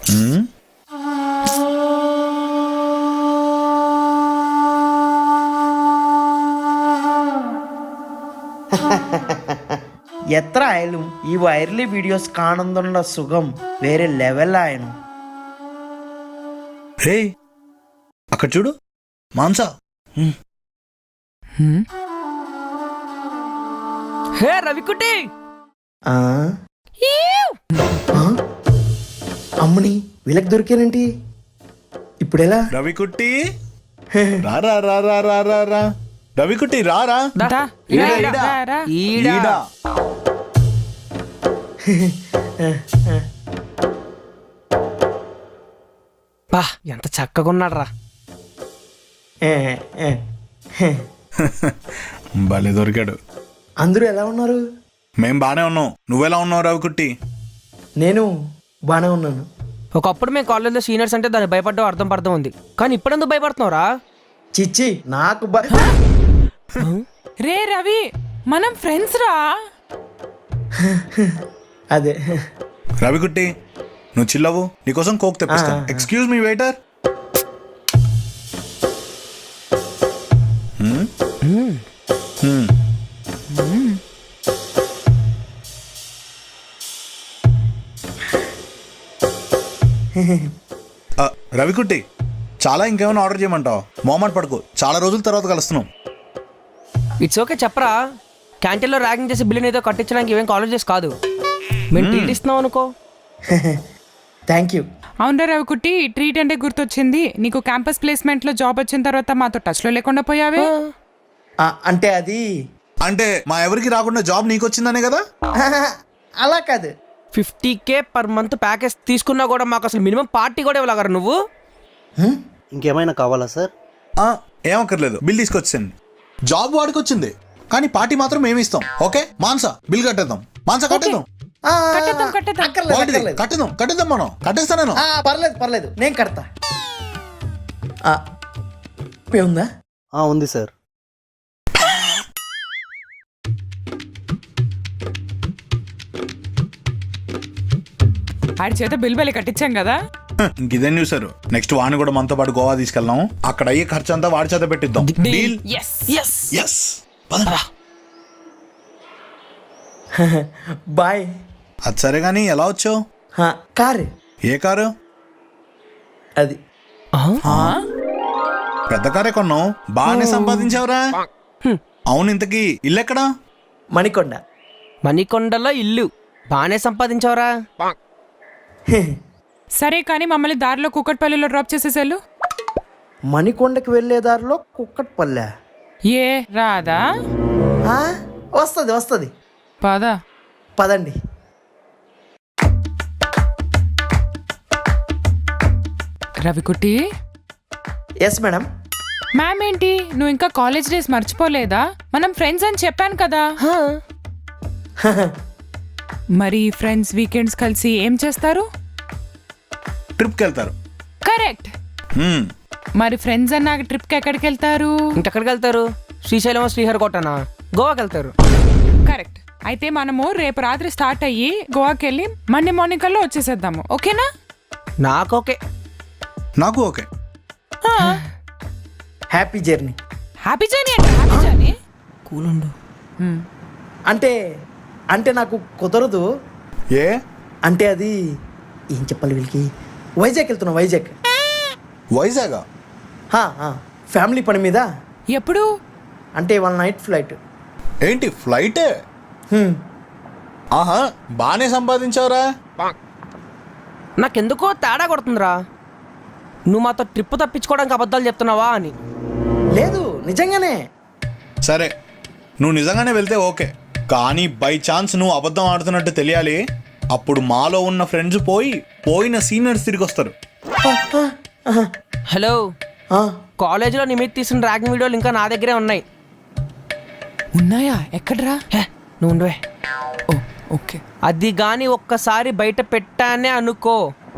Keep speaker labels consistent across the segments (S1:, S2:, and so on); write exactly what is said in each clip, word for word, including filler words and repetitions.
S1: എത്ര ആയാലും ഈ വൈറലി വീഡിയോസ് കാണുന്നുള്ള സുഖം വേറെ ലെവലായിരുന്നു.
S2: హే అక్కడ చూడు మాంసా.
S3: హే రవికుటి,
S1: ఆ? ఆ? అమ్మని వీళ్ళకి దొరికానంటి, ఇప్పుడెలా?
S2: రవికుట్టి రా రా రా రా రా రా రా రవికుట్టి రా రా. ఈడా, ఈడా. ఈడా.
S3: బా ఎంత చక్కగా ఉన్నాడు రా.
S2: భలే దొరికాడు.
S1: అందరూ ఎలా ఉన్నారు?
S2: మేం బానే ఉన్నాం. నువ్వెలా ఉన్నావు రవికుట్టి?
S1: నేను బానే ఉన్నాను.
S3: ఒకప్పుడు మేము కాలేజ్లో సీనియర్స్ అంటే దాన్ని భయపడ్డా అర్థం పర్థం ఉంది, కానీ ఇప్పుడెందుకు భయపడుతున్నావురా?
S1: చిచ్చి నాకు బ-
S4: రే రవి, మనం ఫ్రెండ్స్ రా.
S1: అదే
S2: రవికుట్టి నువ్వు చిల్లవు, నీకోసం కోక్ తెప్పిస్తాను. Excuse me waiter. రవికుట్టి చాలా ఇంకేమైనా ఆర్డర్ చేయమంటావు? మోమాట పడుకో, చాలా రోజుల తర్వాత కలుస్తున్నాం.
S3: ఇట్స్ ఓకే చెప్పరా. క్యాంటీన్లో ర్యాగింగ్ చేసి బిల్లుని ఏదో కట్టించడానికి ఇవేం కాలేజెస్ కాదు, మేము ట్రీట్ ఇస్తున్నాం అనుకో.
S1: Thank you.
S4: అవునరా రవికుట్టి, ట్రీట్ అంటే గుర్తొచ్చింది. నీకు క్యాంపస్ ప్లేస్మెంట్ లో జాబ్ వచ్చిన తర్వాత మాతో టచ్ లో లేకుండా పోయావే.
S1: ఆ, అంటే అది
S2: అంటే మా ఎవరికి రాకుండా జాబ్ నీకు వచ్చిందనే కదా?
S1: అలా కాదు.
S3: Fifty K per month package తీసుకున్నా కూడా మాకు అసలు మినిమం పార్టీ కూడా ఇవ్వగలరా నువ్వు?
S5: ఇంకేమైనా కావాలా సార్?
S2: ఏమక్కర్లేదు, బిల్ తీసుకొచ్చేయండి. జాబ్ వాడికి వచ్చింది కానీ పార్టీ మాత్రం మేము ఇస్తాం. ఓకే మాన్సా, బిల్ కట్టేద్దాం. మాన్సా కట్టేద్దాం.
S1: ఆ,
S4: కట్టేద్దాం, కట్టేద్దాం.
S1: అక్కర్లేదు,
S2: వాడిది
S1: అక్కర్లేదు.
S2: కట్టేద్దాం కట్టేద్దాం మనం కట్టేస్తా నేను.
S1: ఆ, పర్లేదు పర్లేదు, నేను కడతా. ఆ, పే ఉందా?
S5: ఆ, ఉంది సార్.
S4: ఆడి చేత బిల్ బలి కట్టించాం కదా.
S2: ఇంకిదేం చూసారు, నెక్స్ట్ వాడిని కూడా మనతో పాటు గోవా తీసుకెళ్దాం. అక్కడ అయ్యే ఖర్చు అంతా వాడి చేత పెట్టిద్దాం. డీల్?
S4: Yes
S3: yes
S2: yes. పదండి.
S1: బాయ్.
S2: అది సరే గానీ ఎలా వచ్చావు?
S1: కారు.
S2: ఏ కారు?
S1: అది
S2: పెద్ద కారే కొన్నావు, బాగానే సంపాదించావురా. అవును, ఇంతకీ ఇల్లు ఎక్కడా?
S1: మణికొండ.
S3: మణికొండలో ఇల్లు బాగానే సంపాదించావురా.
S4: సరే కానీ మమ్మల్ని దారిలో కుక్కట్పల్లిలో డ్రాప్ చేసేసారు.
S1: మణికొండకి వెళ్ళే దారిలో కుక్కట్పల్లె.
S4: ఏ రాదా?
S1: వస్తుంది వస్తుంది,
S4: పద
S1: పదండి.
S4: రవికుట్టి.
S1: Yes madam.
S4: మ్యామ్ ఏంటి, నువ్వు ఇంకా కాలేజ్ డేస్ మర్చిపోలేదా? మనం ఫ్రెండ్స్ అని చెప్పాను కదా. మరి ఫ్రెండ్స్ వీకెండ్స్ కలిసి ఏం చేస్తారు?
S2: ట్రిప్కి వెళ్తారు.
S4: కరెక్ట్. మరి ఫ్రెండ్స్ అన్నాక ట్రిప్కి ఎక్కడికి వెళ్తారు?
S3: ఇంకెక్కడికి వెళ్తారు? శ్రీశైలం, శ్రీహరికోటనా, గోవాకి వెళ్తారు.
S4: కరెక్ట్. అయితే మనము రేపు రాత్రి స్టార్ట్ అయ్యి గోవాకి వెళ్ళి మండే మార్నింగ్ కల్లా వచ్చేసేద్దాము. ఓకేనా?
S3: నాకు ఓకే.
S2: నాకు okay.
S1: Happy journey.
S4: Happy journey అంటే హ్యాపీ జర్నీ.
S3: కూలుండు.
S1: అంటే అంటే నాకు కుదరదు.
S2: ఏ
S1: అంటే అది ఏం చెప్పాలి వీళ్ళకి. వైజాగ్ వెళ్తున్నా, వైజాగ్.
S2: వైజాగా?
S1: ఫ్యామిలీ పని మీద.
S4: ఎప్పుడు?
S1: అంటే వన్ నైట్ ఫ్లైట్.
S2: ఏంటి ఫ్లైటే? ఆహా, బాగానే సంపాదించావురా.
S3: నాకెందుకో తేడా కొడుతుందిరా. నువ్వు మాతో ట్రిప్ తప్పించుకోవడానికి అబద్ధాలు చెప్తున్నావా అని.
S1: లేదు, నిజంగానే.
S2: సరే, నువ్వు నిజంగానే వెళ్తే ఓకే, కానీ బై ఛాన్స్ నువ్వు అబద్ధం ఆడుతున్నట్టు తెలియాలి. అప్పుడు మాలో ఉన్న ఫ్రెండ్స్ పోయి పోయిన సీనియర్స్ తిరిగి వస్తారు.
S3: హలో, కాలేజీలో నీ మీద తీసిన ర్యాగింగ్ వీడియోలు ఇంకా నా దగ్గరే ఉన్నాయి.
S4: ఉన్నాయా? ఎక్కడ్రా?
S3: హే, నువ్వు ఉండవే.
S4: Oh okay.
S3: అది గాని ఒక్కసారి బయట పెట్టానే అనుకో,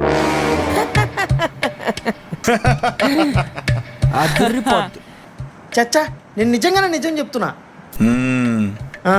S3: అదిరిపోద్ది.
S1: చచ్చా, నేను నిజంగానే నిజం చెప్తున్నా.
S2: మ్మ్.
S1: ఆ.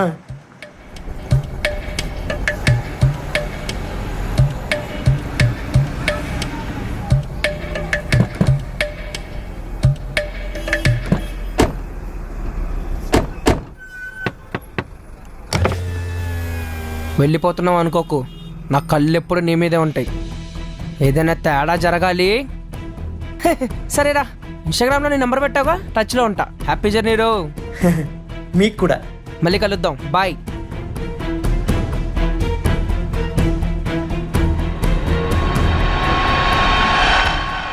S3: వెళ్ళిపోతున్నావు అనుకోకు, నా కళ్ళు ఎప్పుడు నీ మీదే ఉంటాయి. ఏదైనా తేడా జరగాలి. సరేరా, ఇన్స్టాగ్రామ్లో నీ నెంబర్ పెట్టావుగా, టచ్లో ఉంటా. హ్యాపీ జర్నీ రో.
S1: మీకు కూడా.
S3: మళ్ళీ కలుద్దాం, బాయ్.